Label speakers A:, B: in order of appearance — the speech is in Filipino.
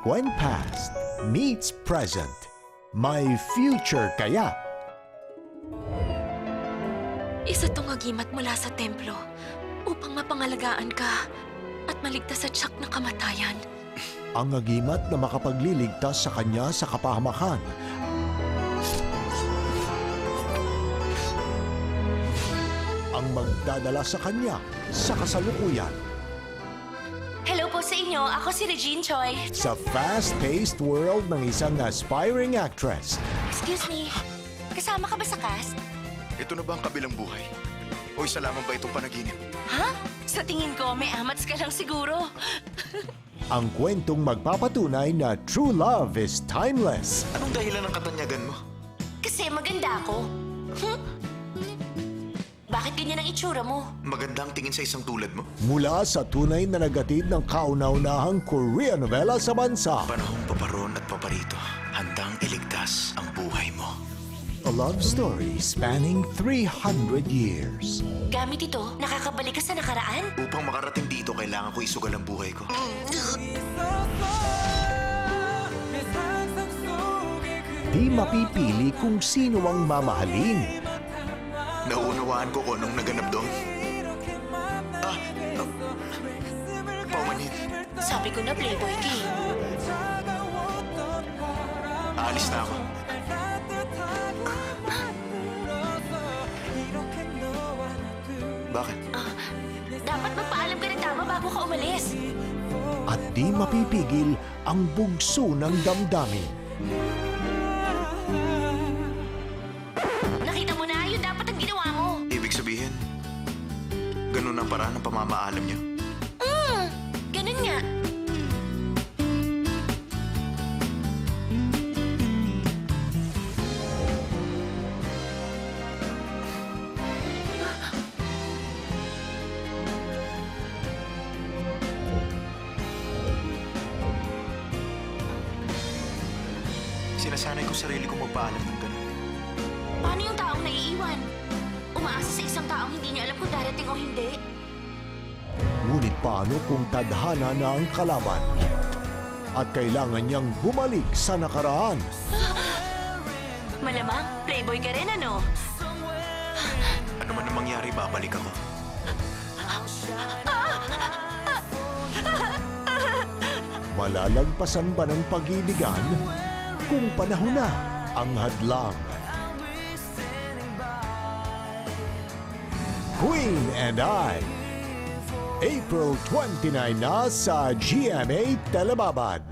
A: When past meets present, may future kaya?
B: Isa tong agimat mula sa templo upang mapangalagaan ka at maligtas sa tiyak na kamatayan.
A: Ang agimat na makapagliligtas sa kanya sa kapahamakan. Ang magdadala sa kanya sa kasalukuyan.
B: Hello po sa inyo. Ako si Regine Choi.
A: Sa fast-paced world ng isang aspiring actress.
B: Excuse me. Kasama ka ba sa cast?
C: Ito na ba ang kabilang buhay? O isa lamang ba itong panaginip?
B: Ha? Sa tingin ko, may amats ka lang siguro.
A: Ang kwentong magpapatunay na true love is timeless.
C: Anong dahilan ng katanyagan mo?
B: Kasi maganda ako. Bakit ganyan ang itsura mo?
C: Maganda ang tingin sa isang tulad mo?
A: Mula sa tunay na nagatid ng kauna-unahang Korean novela sa bansa.
C: Panahong paparon at paparito, handang iligtas ang buhay mo.
A: A love story spanning 300 years.
B: Gamit ito, nakakabalik ka sa nakaraan?
C: Upang makarating dito, kailangan ko isugal ang buhay ko.
A: Di mapipili kung sino ang mamahalin.
C: Nauunawaan ko kung anong naganap doon. Paumanhin.
B: Sabi ko na Playboy King.
C: Aalis na ako. Bakit?
B: Dapat magpaalam ka ng tama bago ka umalis.
A: At di mapipigil ang bugso ng damdamin.
B: Nakita mo na, yun dapat ang ginawa mo.
C: Ibig sabihin, ganun ang paraan ng pamamaalam niyo?
B: Ganun nga.
C: Sinasanay ko sarili ko magpaalam ng ganun.
B: Paano yung taong naiiwan? Umaasa sa isang taong hindi niya alam kung darating o hindi.
A: Ngunit paano kung tadhana na ang kalaban? At kailangan niyang bumalik sa nakaraan.
B: Malamang, Playboy ka rin ano?
C: Ano man ang mangyari, babalik ako.
A: Malalagpasan ba ng pag-ibigan kung panahon na ang hadlang? Queen and I, April 29 na sa GMA Telebabad.